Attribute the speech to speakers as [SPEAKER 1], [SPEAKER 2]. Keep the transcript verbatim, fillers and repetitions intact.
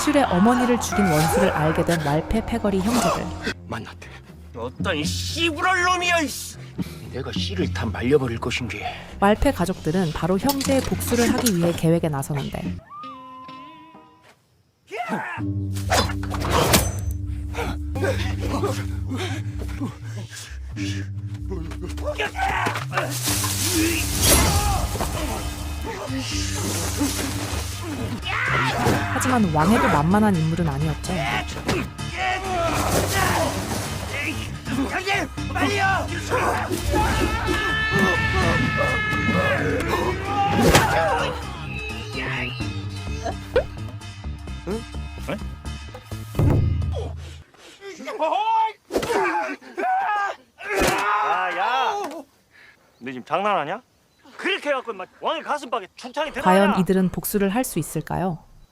[SPEAKER 1] 복술의 어머니를 죽인 원수를 알게 된 말패 패거리 형제들.
[SPEAKER 2] 만났대.
[SPEAKER 3] 어떤 씨부럴 놈이야. 이씨.
[SPEAKER 2] 내가 씨를 다 말려버릴 것인지.
[SPEAKER 1] 말패 가족들은 바로 형제의 복수를 하기 위해 계획에 나서는데 하지만 왕에도 만만한 인물은 아니었죠.
[SPEAKER 3] 형님, 빨리요.
[SPEAKER 4] 야, 야! 너 지금 장난하냐? 그렇게 해갖고 막 왕의 가슴팍에 충창이 들어가냐?
[SPEAKER 1] 과연 이들은 복수를 할 수 있을까요?